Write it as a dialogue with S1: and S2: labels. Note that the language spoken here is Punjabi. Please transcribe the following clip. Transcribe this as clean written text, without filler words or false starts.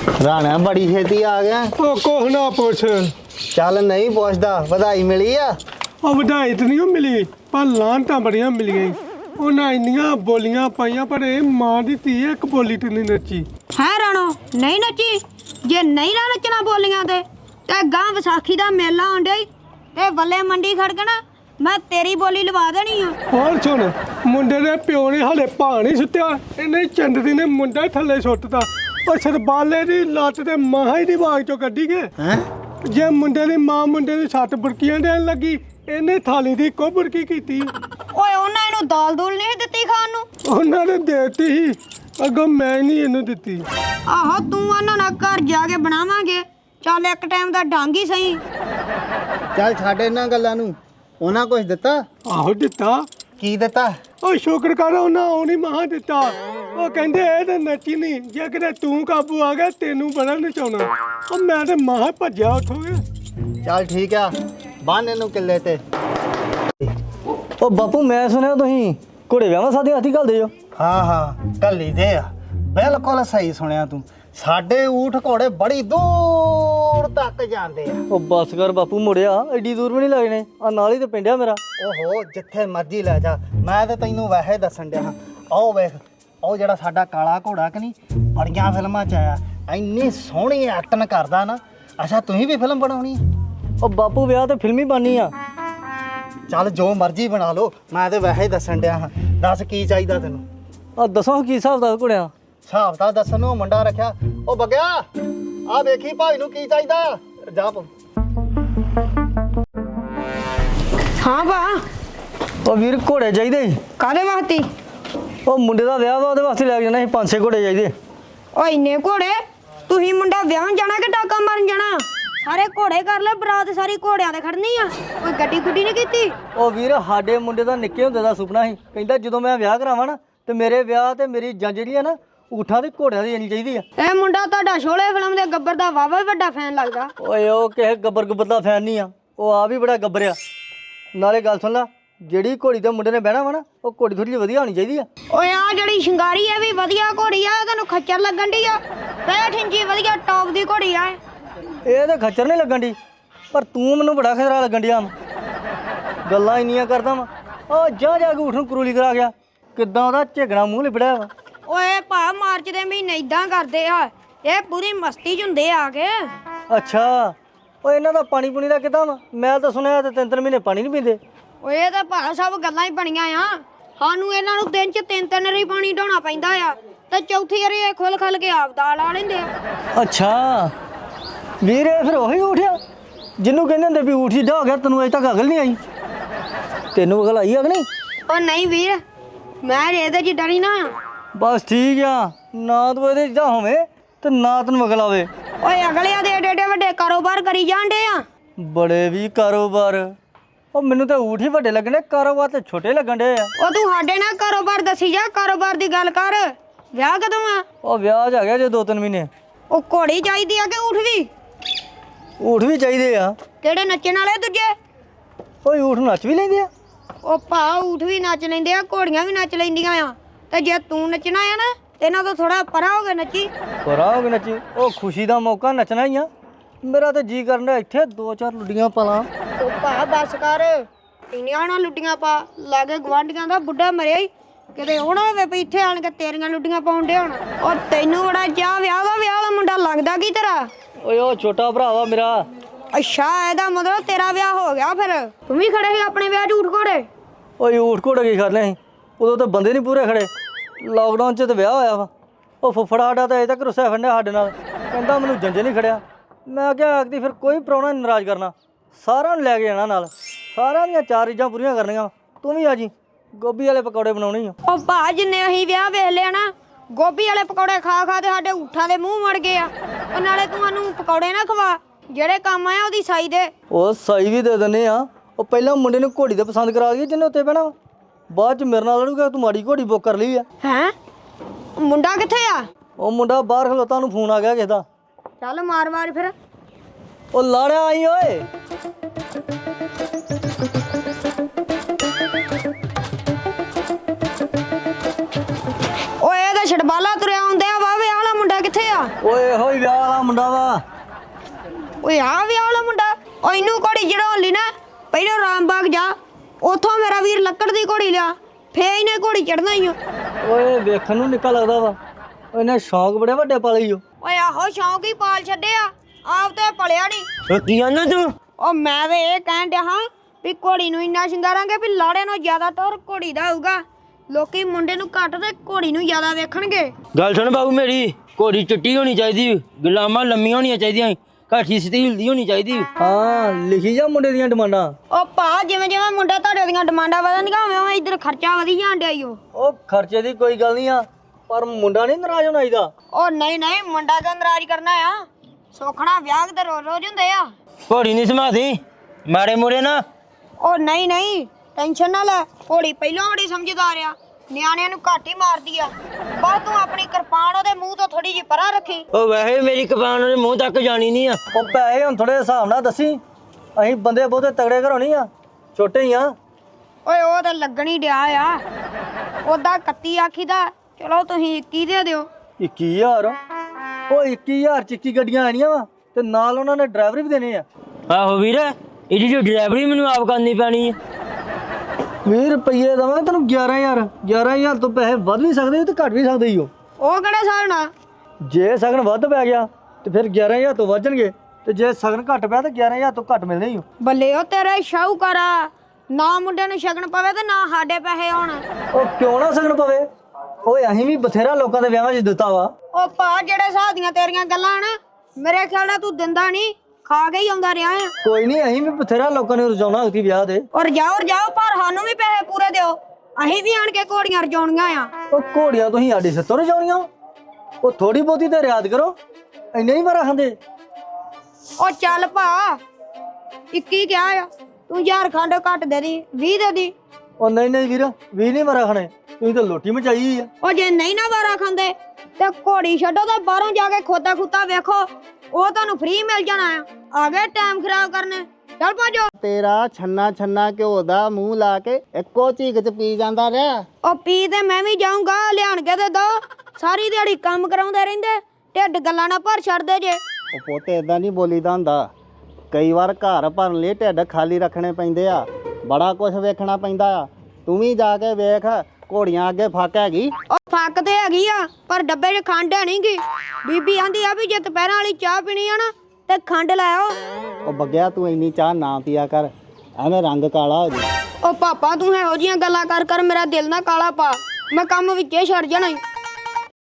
S1: राणा बड़ी छेती आ गया।
S2: ਉਹ ਕੁਛ ਨਾ ਪੁੱਛ।
S1: चल नहीं पूछता बधाई मिली आ।
S2: ਉਹ ਵਧਾਈ ਤਾਂ ਨਹੀਂ ਮਿਲੀ ਪਰ ਲਾਂਟਾਂ ਬੜੀਆਂ ਮਿਲੀਆਂ ਈ। ਉਹਨਾਂ ਇੰਨੀਆਂ ਬੋਲੀਆਂ ਪਾਈਆਂ ਪਰ ਇਹ ਮਾਂ ਦੀ ਧੀ ਇੱਕ ਬੋਲੀ ਤੇ ਨਹੀਂ ਨੱਚੀ।
S3: ਹੈ ਰਾਣੋ ਨਹੀਂ ਨੱਚੀ? ਜੇ ਨਹੀਂ ਨਾ ਨੱਚਣਾ ਬੋਲੀਆਂ ਤੇ ਗਾਂ ਵਿਸਾਖੀ ਦਾ ਮੇਲਾ ਆਉਂਦਾ ਈ ਤੇ ਬੱਲੇ ਮੰਡੀ ਖੜਕਣਾ ਮੈਂ ਤੇਰੀ ਬੋਲੀ ਲਵਾ ਦੇਣੀ ਆ।
S2: ਹੋਰ ਸੁਣ, ਮੁੰਡੇ ਦੇ ਪਿਓ ਨੇ ਹਲੇ ਭਾਂ ਨਹੀਂ ਸੁੱਤਿਆ, ਇਹਨੇ ਚੰਦਰੀ ਨੇ ਮੁੰਡਾ ਹੀ ਥੱਲੇ ਸੁੱਟਤਾ। ਉਹ ਸਰਬਾਲੇ ਦੀ ਲੱਤ ਤੇ ਮਾਂ ਹੀ ਦੀ ਆਵਾਜ਼ ਚੋਂ ਕੱਢੀ ਗਏ। ਜੇ ਮੁੰਡੇ ਦੀ ਮਾਂ ਮੁੰਡੇ ਦੀ ਸੱਟ ਬੁਰਕੀਆਂ ਦੇਣ ਲੱਗੀ, ਇਹਨੇ ਥਾਲੀ ਦੀ ਇੱਕੋ ਬੁਰਕੀ ਕੀਤੀ।
S3: ਓਏ ਉਹਨਾਂ ਇਹਨੂੰ ਦਾਲ ਦੂਲ ਨਹੀਂ ਦਿੱਤੀ ਖਾਣ ਨੂੰ?
S2: ਉਹਨਾਂ ਨੇ ਦੇਤੀ ਸੀ, ਅੱਗੋਂ ਮੈਂ ਨਹੀਂ ਇਹਨੂੰ ਦਿੱਤੀ।
S3: ਆਹੋ ਤੂੰ ਉਹਨਾਂ ਨਾਲ ਘਰ ਜਾ ਕੇ ਬਣਾਵਾਂਗੇ। ਚੱਲ ਇੱਕ ਟਾਈਮ ਦਾ ਡੰਗ ਹੀ ਸਹੀ।
S1: चल छाड़ इन्हां गल्लां नूं। उन्हां कुछ दिता?
S2: ਆਹੋ ਦਿੱਤਾ।
S1: की दिता?
S2: ਉਹ ਸ਼ੁਕਰ ਕਰ ਉਹਨਾਂ ਉਹ ਨਹੀਂ ਮਹਾ ਦਿੱਤਾ। ਉਹ ਕਹਿੰਦੇ ਇਹ ਤਾਂ ਨੱਚੀ ਨਹੀਂ, ਜੇ ਕਿਤੇ ਤੂੰ ਕਾਬੂ ਆ ਗਿਆ ਤੈਨੂੰ ਬੜਾ ਨਚਾਉਣਾ। ਉਹ ਮੈਂ ਤੇ ਮਹਾ ਭੱਜਿਆ ਉੱਥੋਂ।
S1: चल ठीक है बन इनू किले ते।
S4: ਉਹ ਬਾਪੂ ਮੈਂ ਸੁਣਿਆ ਤੁਸੀਂ ਘੋੜੇ ਵਿਆਹਾਂ ਸਾਦੇ ਹਾਥੀ ਘੱਲਦੇ ਹੋ।
S1: हाँ हाँ ढली दे आ। बिल्कुल सही सुनिया तू। साडे ऊठ घोड़े बड़ी दूर तक जाते हैं।
S4: ਉਹ ਬਸ ਕਰ ਬਾਪੂ ਮੁੜਿਆ, ਐਡੀ ਦੂਰ ਵੀ ਨਹੀਂ ਲੱਗਣੇ, ਆ ਨਾਲ ਹੀ ਤੇ ਪਿੰਡਿਆ ਮੇਰਾ।
S1: ओहो जिथे मर्जी लै जा, मैं तो तैनू वैसे दसन दिया। आओ वेख ਉਹ ਜਿਹੜਾ ਸਾਡਾ ਕਾਲਾ ਘੋੜਾ ਕਿ ਨਹੀਂ ਬੜੀਆਂ ਫਿਲਮਾਂ 'ਚ ਆਇਆ, ਇੰਨੀ ਸੋਹਣੀ ਐਕਟਿੰਗ ਕਰਦਾ ਨਾ। ਅੱਛਾ ਤੁਸੀਂ ਵੀ ਫਿਲਮ ਬਣਾਉਣੀ?
S4: ਉਹ ਬਾਪੂ ਵਿਆਹ ਤੇ ਫਿਲਮੀ ਬਣਨੀ ਆ।
S1: ਚੱਲ ਜੋ ਮਰਜ਼ੀ ਬਣਾ ਲਓ, ਮੈਂ ਤੇ ਵੈਸੇ ਹੀ ਦੱਸਣ ਡਿਆ ਹਾਂ। ਦੱਸ ਕੀ ਚਾਹੀਦਾ ਤੈਨੂੰ?
S4: ਆ ਦੱਸੋ ਕੀ ਹਿਸਾਬ ਦਾ ਘੋੜਿਆਂ?
S1: ਹਿਸਾਬ ਤਾਂ ਦੱਸਣ ਨੂੰ ਮੁੰਡਾ ਰੱਖਿਆ। ਉਹ ਬੱਗਿਆ ਆ ਵੇਖੀ ਭਾਈ ਨੂੰ ਕੀ ਚਾਹੀਦਾ। ਜਾ
S3: ਹਾਂ ਬਾ
S4: ਉਹ ਵੀਰ ਘੋੜੇ ਚਾਹੀਦੇ ਸੀ।
S3: ਕਾਹਦੇ ਵਾਸਤੇ?
S4: ਉਹ ਮੁੰਡੇ ਦਾ ਵਿਆਹ ਵਾ, ਉਹਦੇ ਵਾਸਤੇ ਲੈ ਕੇ ਜਾਣਾ ਸੀ 5-6 ਘੋੜੇ ਚਾਹੀਦੇ।
S3: ਓ ਇੰਨੇ ਘੋੜੇ? ਤੁਸੀਂ ਮੁੰਡਾ ਵਿਆਹਣ ਜਾਣਾ ਕਿ ਡਾਕਾ ਮਾਰਨ ਜਾਣਾ? ਸਾਰੇ ਘੋੜੇ ਕਰ ਲੈ, ਬਰਾਤ ਸਾਰੀ ਘੋੜਿਆਂ ਤੇ ਖੜਨੀ ਆ। ਕੋਈ ਗੱਡੀ ਗੁੱਡੀ ਨਹੀਂ ਕੀਤੀ?
S4: ਉਹ ਵੀਰ ਸਾਡੇ ਮੁੰਡੇ ਦਾ ਨਿੱਕੇ ਹੁੰਦੇ ਦਾ ਸੁਪਨਾ ਸੀ, ਕਹਿੰਦਾ ਜਦੋਂ ਮੈਂ ਵਿਆਹ ਕਰਾਵਾਂ ਨਾ ਤੇ ਮੇਰੇ ਵਿਆਹ ਤੇ ਮੇਰੀ ਜੰਜ ਜਿਹੜੀ ਆ ਨਾ ਊਠਾਂ ਤੇ ਘੋੜਿਆਂ ਦੀ ਜਾਣੀ ਚਾਹੀਦੀ ਆ।
S3: ਇਹ ਮੁੰਡਾ ਤੁਹਾਡਾ ਸ਼ੋਲੇ ਫਿਲਮ ਦੇ ਗੱਬਰ ਦਾ ਵਾਵਾ ਵੱਡਾ ਫੈਨ ਲੱਗਦਾ।
S4: ਓਏ ਉਹ ਕਿਸੇ ਗੱਬਰ ਦਾ ਫੈਨ ਨਹੀਂ ਆ, ਉਹ ਆ ਵੀ ਬੜਾ ਗੱਬਰ ਆ। ਨਾਲੇ ਗੱਲ ਸੁਣ ਲਾ, ਜਿਹੜੀ ਘੋੜੀ ਤੇ ਮੁੰਡੇ ਨੇ ਬਹਿਣਾ ਵਾ ਨਾ, ਉਹ ਘੋੜੀ ਥੋੜੀ ਜਿਹੀ ਵਧੀਆ ਹੋਣੀ ਚਾਹੀਦੀ ਆ।
S3: ਓਏ ਆ ਜਿਹੜੀ ਸ਼ਿੰਗਾਰੀ ਆ ਵੀ ਵਧੀਆ ਘੋੜੀ ਆ, ਤੁਹਾਨੂੰ ਖੱਚਰ ਲੱਗਣ ਦੀ ਆ। 65 ਇੰਚੀ ਵਧੀਆ ਟੌਪ ਦੀ ਘੋੜੀ ਆ।
S4: ਇਹ ਤਾਂ ਖੱਚਰ ਨਹੀਂ ਲੱਗਣ ਦੀ, ਪਰ ਤੂੰ ਮੈਨੂੰ ਬੜਾ ਖਤਰਾ ਲੱਗਣ ਡਿਆ। ਗੱਲਾਂ ਇੰਨੀਆਂ ਕਰਦਾ ਵਾ, ਉਹ ਜਾ ਕੇ ਊਠ ਨੂੰ ਕਰੂਲੀ ਕਰਾ ਗਿਆ। ਕਿੱਦਾਂ ਉਹਦਾ ਝਿਗਣਾ ਮੂੰਹ ਲਿਬੜਿਆ ਵਾ।
S3: ਓਏ ਭਾ ਮਾਰਚ ਦੇ ਮਹੀਨੇ ਇਦਾਂ ਕਰਦੇ ਆ, ਇਹ ਪੂਰੀ ਮਸਤੀ ਚ ਹੁੰਦੇ ਆ ਕੇ।
S4: ਅੱਛਾ, ਓਏ ਇਹਨਾਂ ਦਾ ਪਾਣੀ ਪੂਣੀ ਦਾ ਕਿੱਦਾਂ ਵਾ? ਮੈਂ ਤਾਂ ਸੁਣਿਆ ਤੇ 3-3 ਮਹੀਨੇ ਪਾਣੀ ਨਹੀਂ ਪੀਂਦੇ।
S3: ਓਏ ਇਹ ਤਾਂ ਭਾ ਸਭ ਗੱਲਾਂ ਹੀ ਬਣੀਆਂ ਆ। ਸਾਨੂੰ ਇਹਨਾਂ ਨੂੰ ਦਿਨ ਚ 3-3 ਵਾਰੀ ਪਾਣੀ ਢੋਣਾ ਪੈਂਦਾ ਆ, ਤੇ ਚੌਥੀ ਵਾਰੀ ਇਹ ਖੁੱਲ ਕੇ ਆਪ ਦਾਲ ਆ ਲੈਂਦੇ ਆ।
S4: ਅੱਛਾ ਵੀਰ, ਇਹ ਫਿਰ ਉਹੀ ਊਠਿਆ ਜਿਹਨੂੰ ਕਹਿੰਦੇ ਹੁੰਦੇ ਵੀ ਊਠ ਸਿੱਧਾ ਹੋ ਗਿਆ। ਤੈਨੂੰ ਅਜੇ ਤੱਕ ਅਕਲ ਨਹੀਂ ਆਈ? ਤੈਨੂੰ ਅਕਲ ਆਈ ਆ ਕਿ ਨਹੀਂ?
S3: ਓ ਨਹੀਂ ਵੀਰ, ਮੈਂ ਇਹਦੇ ਚ ਡਰੀ ਨਾ।
S4: ਬਸ ਠੀਕ ਆ, ਨਾ ਤੂੰ ਇਹਦੇ ਜਿੱਦਾਂ ਹੋਵੇਂ ਤੇ ਨਾ ਤੈਨੂੰ ਅਕਲ ਆਵੇ।
S3: ਓਏ ਅਗਲਿਆਂ ਦੇ ਏਡੇ ਏਡੇ ਵੱਡੇ ਕਾਰੋਬਾਰ ਕਰੀ ਜਾਂਦੇ ਆ।
S4: ਬੜੇ ਵੀ ਕਾਰੋਬਾਰ? ਉਹ ਮੈਨੂੰ ਤਾਂ ਊਠ ਹੀ ਵੱਡੇ ਲੱਗਣੇ, ਕਾਰੋਬਾਰ ਤੇ ਛੋਟੇ ਲੱਗਣ ਡੇ ਆ।
S3: ਉਹ ਤੂੰ ਸਾਡੇ ਨਾਲ ਕਾਰੋਬਾਰ ਦੱਸੀ ਜਾ, ਕਾਰੋਬਾਰ ਦੀ ਗੱਲ ਕਰ। ਵਿਆਹ ਕਦੋਂ ਆ?
S4: ਉਹ ਵਿਆਹ 'ਚ ਆ ਗਿਆ ਜੇ 2-3 ਮਹੀਨੇ।
S3: ਉਹ ਘੋੜੀ ਚਾਹੀਦੀ ਆ ਕਿ ਊਠ ਵੀ?
S4: ਊਠ ਵੀ ਚਾਹੀਦੇ ਆ।
S3: ਕਿਹੜੇ ਨੱਚਣ ਵਾਲੇ ਦੂਜੇ?
S4: ਓਏ ਊਠ ਨੱਚ ਵੀ ਲੈਂਦੇ ਆ?
S3: ਉਹ ਭਾ ਊਠ ਵੀ ਨੱਚ ਲੈਂਦੇ ਆ, ਘੋੜੀਆਂ ਵੀ ਨੱਚ ਲੈਂਦੀਆਂ ਆ। ਤੇ ਜੇ ਤੂੰ ਨੱਚਣਾ ਆ ਨਾ, ਇਹਨਾਂ ਤੋਂ ਥੋੜਾ ਪਰਾਂ ਹੋ ਕੇ ਨੱਚੀ।
S4: ਪਰਾਂ ਹੋ ਕੇ ਨੱਚੀ? ਉਹ ਖੁਸ਼ੀ ਦਾ ਮੌਕਾ, ਨੱਚਣਾ ਹੀ ਆ। ਮੇਰਾ ਤਾਂ ਜੀ ਕਰਨ ਡਿਆ ਇੱਥੇ 2-4 ਲੁੱਡੀਆਂ ਪਾ ਲਾਂ।
S3: ਉਹ ਭਾ ਬਸ ਕਰ, ਇੰਨੀਆਂ ਨਾ ਲੁੱਡੀਆਂ ਪਾ। ਲਾਗੇ ਗਵਾਂਢੀਆਂ ਦਾ ਬੁੱਢਾ ਮਰਿਆ ਹੀ, ਕਿਤੇ ਉਹ ਨਾ ਹੋਵੇ ਵੀ ਇੱਥੇ ਆਣ ਕੇ ਤੇਰੀਆਂ ਲੁੱਡੀਆਂ ਪਾਉਣ ਡਿਆ ਹੋਣ। ਉਹ ਤੈਨੂੰ ਬੜਾ ਚਾਹ ਵਿਆਹ ਵਾਲਾ ਮੁੰਡਾ ਲੱਗਦਾ ਕੀ ਤੇਰਾ?
S4: ਓਏ ਉਹ ਛੋਟਾ ਭਰਾ ਵਾ ਮੇਰਾ।
S3: ਅੱਛਾ, ਇਹਦਾ ਮਤਲਬ ਤੇਰਾ ਵਿਆਹ ਹੋ ਗਿਆ ਫਿਰ? ਤੂੰ ਵੀ ਖੜੇ ਸੀ ਆਪਣੇ ਵਿਆਹ ਝੂਠ ਘੋੜੇ?
S4: ਓਏ ਊਠ ਘੋੜਾ ਕੀ ਕਰ ਲਿਆ ਸੀ? ਉਦੋਂ ਤਾਂ ਬੰਦੇ ਨਹੀਂ ਪੂਰੇ ਖੜੇ। ਲਾਕਡਾਊਨ 'ਚ ਤਾਂ ਵਿਆਹ ਹੋਇਆ ਵਾ। ਉਹ ਫੁੱਫੜਾ ਸਾਡਾ ਤਾਂ ਅਜੇ ਤੱਕ ਰੁੱਸਿਆ ਫੰਡਿਆ ਸਾਡੇ ਨਾਲ, ਕਹਿੰਦਾ ਮੈਨੂੰ ਜੰਜੇ ਨਹੀਂ ਖੜਿਆ। ਮੈਂ ਕਿਹਾ ਆਖਦੀ ਫਿਰ ਕੋਈ ਪ੍ਰਾਹੁਣਾ ਨਹੀਂ ਨਾਰਾਜ਼ ਕਰਨਾ, ਸਾਰਿਆਂ ਨੂੰ ਲੈ ਕੇ ਜਾਣਾ ਨਾਲ, ਸਾਰਿਆਂ ਦੀਆਂ 4 ਚੀਜ਼ਾਂ ਪੂਰੀਆਂ ਕਰਨੀਆਂ। ਤੂੰ ਵੀ ਆ ਜੀ, ਗੋਭੀ ਵਾਲੇ ਪਕੌੜੇ ਬਣਾਉਣੇ ਆ।
S3: ਉਹ ਭਾ ਜਿੰਨੇ ਅਸੀਂ ਵਿਆਹ ਵੇਖ ਲਿਆ ਨਾ, ਗੋਭੀ ਵਾਲੇ ਪਕੌੜੇ ਖਾ ਖਾ ਤੇ ਸਾਡੇ ਊਠਾਂ ਦੇ ਮੂੰਹ ਮੜ ਗਏ ਆ। ਉਹ ਨਾਲੇ ਤੂੰ ਸਾਨੂੰ ਪਕੌੜੇ ਨਾ ਖਵਾ, ਜਿਹੜੇ ਕੰਮ ਆਇਆ ਉਹਦੀ ਸਾਈ ਦੇ।
S4: ਉਹ ਸਾਈ ਵੀ ਦੇ ਦਿੰਦੇ ਆ। ਉਹ ਪਹਿਲਾਂ ਮੁੰਡੇ ਨੂੰ ਘੋੜੀ ਤੇ ਪਸੰਦ ਕਰਾ ਦਈਏ ਜਿਹਨੇ ਉੱਤੇ ਬਹਿਣਾ, ਬਾਅਦ 'ਚ ਮੇਰੇ ਨਾਲ ਲੜੂਗਾ ਤੂੰ ਮਾੜੀ ਘੋੜੀ ਬੁੱਕ ਕਰ ਲਈ ਆ।
S3: ਹੈਂ? ਮੁੰਡਾ ਕਿੱਥੇ ਆ?
S4: ਉਹ ਮੁੰਡਾ ਬਾਹਰ ਖਲੋਤਾ, ਉਹਨੂੰ ਫੋਨ ਆ ਗਿਆ ਕਿਸੇ ਦਾ।
S3: ਚੱਲ ਮਾਰ ਮਾਰ ਫਿਰ।
S4: ਉਹ ਲਾੜਿਆ ਆਈ ਓਏ।
S3: ਓਏ ਇਹਦਾ ਛੜਬਾਲਾ ਤੁਰਿਆ ਆਉਂਦੇ ਆ, ਵਾਵੇ ਵਾਲਾ ਮੁੰਡਾ ਕਿੱਥੇ ਆ?
S4: ਓਏ ਇਹੋ ਹੀ ਵਿਆਹ ਵਾਲਾ ਮੁੰਡਾ ਵਾ।
S3: ਓਏ ਆ ਵਿਆਹ ਵਾਲਾ ਮੁੰਡਾ। ਓ ਇਹਨੂੰ ਘੋੜੀ ਚੜਾਉਣ ਲਈ ਨਾ ਪਹਿਲਾਂ ਰਾਮਬਾਗ ਜਾ, ਉੱਥੋਂ ਮੇਰਾ ਵੀਰ ਲੱਕੜ ਦੀ ਘੋੜੀ ਲਿਆ, ਫੇਰ ਇਹਨੇ ਘੋੜੀ ਚੜਨਾ ਹੀ ਓ।
S4: ਓਏ ਵੇਖਣ ਨੂੰ ਨਿੱਕਾ ਲੱਗਦਾ ਵਾ, ਇਹਨੇ ਸ਼ੌਂਕ ਬੜੇ ਵੱਡੇ ਪਾਲੇ ਈ ਓ।
S3: ਓਏ ਆਹੋ ਸ਼ੌਂਕ ਹੀ ਪਾਲ ਛੱਡਿਆ, ਆਪ ਤੇ ਪਲਿਆ ਨਹੀਂ।
S5: ਕੀ ਆਂਦਾ ਤੂੰ?
S3: ਓ ਮੈਂ ਤੇ ਇਹ ਕਹਿਣ ਡਿਆ ਹਾਂ ਵੀ ਘੋੜੀ ਨੂੰ ਇੰਨਾ ਸ਼ਿੰਗਾਰਾਂਗੇ ਵੀ ਲਾੜੇ ਨੂੰ ਜ਼ਿਆਦਾ ਤੌਰ ਘੋੜੀ ਦਾ ਹੋਊਗਾ। ਲੋਕੀ ਮੁੰਡੇ ਨੂੰ ਘੱਟ ਤੇ ਘੋੜੀ ਨੂੰ ਜ਼ਿਆਦਾ ਵੇਖਣਗੇ।
S5: ਗੱਲ ਸੁਣ ਬਾਬੂ ਮੇਰੀ, ਘੋੜੀ ਚਿੱਟੀ ਹੋਣੀ ਚਾਹੀਦੀ, ਗੁਲਾਮਾਂ ਲੰਮੀਆਂ ਹੋਣੀਆਂ ਚਾਹੀਦੀਆਂ, ਕਾਠੀ ਸਿੱਧੀ ਹਿਲਦੀ ਹੋਣੀ ਚਾਹੀਦੀ।
S4: ਹਾਂ ਲਿਖੀ ਜਾ ਮੁੰਡੇ ਦੀਆਂ ਡਿਮਾਂਡਾਂ।
S3: ਓ ਭਾ ਜਿਵੇਂ ਜਿਵੇਂ ਮੁੰਡਾ ਤੁਹਾਡੇ ਦੀਆਂ ਡਿਮਾਂਡਾਂ ਵਧਣਗੀਆਂ ਉਵੇਂ ਉਵੇਂ ਇੱਧਰ ਖਰਚਾ ਵਧੀ ਜਾਣ ਡਿਆ ਈ ਓ।
S4: ਉਹ ਖਰਚੇ ਦੀ ਕੋਈ ਗੱਲ ਨਹੀਂ ਆ, ਪਰ ਮੁੰਡਾ ਨਹੀਂ ਨਾਰਾਜ਼ ਹੋਣਾ ਚਾਹੀਦਾ।
S3: ਓ ਨਹੀਂ ਨਹੀਂ, ਮੁੰਡਾ ਕਿਉਂ ਨਾਰਾਜ਼ ਕਰਨਾ ਆ? ਸੋਖਣਾ ਵਿਆਹ ਤੇ ਰੋਜ਼ ਰੋਜ਼ ਹੁੰਦੇ ਆ।
S5: ਘੋੜੀ ਨਹੀਂ ਸਮਾਦੀ ਮਾੜੇ ਮੋੜੇ ਨਾ।
S3: ਓ ਨਹੀਂ ਨਹੀਂ, ਟੈਨਸ਼ਨ ਨਾ ਲੈ, ਘੋੜੀ ਪਹਿਲਾਂ ਬੜੀ ਸਮਝਦਾਰ ਆ, ਨਿਆਣਿਆਂ ਨੂੰ ਘੱਟ ਹੀ ਮਾਰਦੀ ਆ। ਬਸ ਤੂੰ ਆਪਣੀ ਕਿਰਪਾਨ ਉਹਦੇ ਮੂੰਹ ਤੋਂ ਥੋੜੀ ਜਿਹੀ ਪਰਾਂ ਰੱਖੀ।
S5: ਉਹ ਵੈਸੇ ਮੇਰੀ ਕਪਾਨ ਉਹਦੇ ਮੂੰਹ ਤੱਕ ਜਾਣੀ ਨਹੀਂ ਆ।
S4: ਉਹ ਪੈਸੇ ਹੁਣ ਥੋੜੇ ਹਿਸਾਬ ਨਾਲ ਦੱਸੀ, ਅਸੀਂ ਬੰਦੇ ਬਹੁਤੇ ਤਗੜੇ ਘਰੋਂ ਨਹੀਂ ਆ, ਛੋਟੇ ਹੀ ਆ।
S3: ਓਏ ਉਹ ਤਾਂ ਲੱਗਣੀ ਡਿਆ ਆ, ਉਹਦਾ 31 ਆਖੀਦਾ, ਚਲੋ ਤੁਸੀਂ 21 ਦੇ ਦਿਓ।
S4: 21000? ਉਹ 21000 ਚ 21 ਗੱਡੀਆਂ ਆਣੀਆਂ ਵਾ, ਤੇ ਨਾਲ ਉਹਨਾਂ ਨੇ ਡਰਾਈਵਰ ਵੀ ਦੇਣੇ ਆ।
S5: ਆਹੋ ਵੀਰ, ਇਹਦੀ ਜੋ ਡਰਾਈਵਰੀ ਮੈਨੂੰ ਆਪ ਕਰਨੀ ਪੈਣੀ ਹੈ।
S4: 20 ਰੁਪਏ ਦਵਾਂਗੇ ਤੈਨੂੰ 11000। 11000 ਤੋਂ ਪੈਸੇ ਵੱਧ ਵੀ ਸਕਦੇ ਤੇ ਘੱਟ ਵੀ ਸਕਦੇ ਹੀ ਹੋ।
S3: ਉਹ ਕਿਹੜੇ ਹਿਸਾਬ ਨਾਲ?
S4: ਜੇ ਸਗਨ ਵੱਧ ਪੈ ਗਿਆ ਤੇ ਫਿਰ 11000 ਤੋਂ ਵੱਜਣਗੇ, ਤੇ ਜੇ ਸਗਨ ਘੱਟ ਪਿਆ ਤੇ 11000 ਤੋਂ ਘੱਟ ਮਿਲਦੇ ਹੀ ਹੋ।
S3: ਬੱਲੇ ਉਹ ਤੇਰੇ ਸ਼ਾਹੂਕਾਰਾ, ਨਾ ਮੁੰਡੇ ਨੂੰ ਸ਼ਗਨ ਪਵੇ ਤੇ ਨਾ ਸਾਡੇ ਪੈਸੇ ਆਉਣ।
S4: ਉਹ ਕਿਉਂ ਨਾ ਸਗਨ ਪਵੇ? ਓਏ ਅਸੀਂ ਵੀ ਬਥੇਰਾ ਲੋਕਾਂ ਦੇ ਵਿਆਹਾਂ 'ਚ ਦਿੱਤਾ ਵਾ।
S3: ਉਹ ਭਾ ਜਿਹੜੇ ਹਿਸਾਬ ਦੀਆਂ ਤੇਰੀਆਂ ਗੱਲਾਂ ਨਾ, ਮੇਰੇ ਖਿਆਲ ਨਾਲ ਤੂੰ ਦਿੰਦਾ ਨਹੀਂ, ਖਾ ਕੇ ਹੀ ਆਉਂਦਾ ਰਿਹਾ ਆ।
S4: ਕੋਈ ਨਹੀਂ, ਅਸੀਂ ਵੀ ਬਥੇਰਾ ਲੋਕਾਂ ਨੂੰ ਰਜਾਉਣਾ ਹੁੰਦੀ ਵਿਆਹ ਦੇ।
S3: ਔਰ ਜਾਓ, ਪਰ ਸਾਨੂੰ ਵੀ ਪੈਸੇ ਪੂਰੇ ਦਿਓ, ਅਸੀਂ ਵੀ ਆਣ ਕੇ ਘੋੜੀਆਂ ਰਜਾਉਣੀਆਂ ਆ।
S4: ਉਹ ਘੋੜੀਆਂ ਤੁਸੀਂ ਸਾਡੀ ਸਿੱਤੋਂ ਰਜਾਉਣੀਆਂ? ਉਹ ਥੋੜੀ ਬਹੁਤੀ ਤੇ ਰਿਆਦ ਕਰੋ, ਇੰਨੇ ਹੀ ਵਾਰਾ ਖਾਂਦੇ।
S3: ਉਹ ਚੱਲ ਭਾ, 21 ਕਿਹਾ ਆ, ਤੂੰ 1000 ਖੰਡ ਘੱਟ ਦੇ ਦੀ, 20 ਦੇ ਦੀ।
S4: ਉਹ ਨਹੀਂ ਨਹੀਂ ਵੀਰ, 20 ਨਹੀਂ ਵਾਰਾ ਖਾਣੇ, ਤੁਸੀਂ ਤਾਂ ਲੋਟੀ ਮਚਾਈ ਆ।
S3: ਉਹ ਜੇ ਨਹੀਂ ਨਾ ਵਾਰਾ ਖਾਂਦੇ ਤੇ ਘੋੜੀ ਛੱਡੋ ਤਾਂ ਬਾਹਰੋਂ ਜਾ ਕੇ ਖੋਤਾ ਖੁੱਤਾ ਵੇਖੋ, ਉਹ ਤੁਹਾਨੂੰ ਫ੍ਰੀ ਮਿਲ ਜਾਣਾ ਆ। ਆ ਗਏ ਟਾਈਮ ਖਰਾਬ ਕਰਨੇ, ਚੱਲ ਭਾਜੋ।
S1: ਤੇਰਾ ਛੰਨਾ ਛੰਨਾ ਘਿਓ ਦਾ ਮੂੰਹ ਲਾ ਕੇ ਇੱਕੋ ਝੀਕ ਚ ਪੀ ਜਾਂਦਾ ਰਿਹਾ।
S3: ਉਹ ਪੀ ਤੇ ਮੈਂ ਵੀ ਜਾਊਂਗਾ, ਲਿਆਣ ਕੇ ਤੇ ਦੋ। ਸਾਰੀ ਦਿਹਾੜੀ ਕੰਮ ਕਰਾਉਂਦੇ ਰਹਿੰਦੇ, ਢਿੱਡ ਗੱਲਾਂ ਨਾਲ ਭਰ ਛੱਡਦੇ ਜੇ।
S1: ਉਹ ਪੋਤੇ ਇਦਾਂ ਨਹੀਂ ਬੋਲੀਦਾ ਹੁੰਦਾ, ਕਈ ਵਾਰ ਘਰ ਭਰਨ ਲਈ ਢਿੱਡ ਖਾਲੀ ਰੱਖਣੇ ਪੈਂਦੇ ਆ, ਬੜਾ ਕੁਝ ਵੇਖਣਾ ਪੈਂਦਾ ਆ। ਤੂੰ ਵੀ ਜਾ ਕੇ ਵੇਖ, ਘੋੜੀਆਂ ਅੱਗੇ ਫੱਕ ਹੈਗੀ।
S3: ਉਹ ਫੱਕ ਤੇ ਹੈਗੀ ਆ, ਪਰ ਡੱਬੇ 'ਚ ਖੰਡ ਹੈ ਨੀ ਗੀ। ਬੀਬੀ ਆਂਦੀ ਆ ਵੀ ਜੇ ਦੁਪਹਿਰਾਂ ਵਾਲੀ ਚਾਹ ਪੀਣੀ ਆ ਨਾ ਤੇ ਖੰਡ ਲੈ ਆਓ।
S1: ਉਹ ਬੱਗਿਆ ਤੂੰ ਇੰਨੀ ਚਾਹ ਨਾ ਪੀਆ ਕਰ, ਐਵੇਂ ਰੰਗ ਕਾਲਾ ਹੋ ਜਾ।
S3: ਉਹ ਪਾਪਾ ਤੂੰ ਇਹੋ ਜਿਹੀਆਂ ਗੱਲਾਂ ਕਰ ਕਰ ਮੇਰਾ ਦਿਲ ਨਾ ਕਾਲਾ ਪਾ, ਮੈਂ ਕੰਮ ਵਿੱਚੇ ਛੱਡ ਜਾਣਾ ਈ।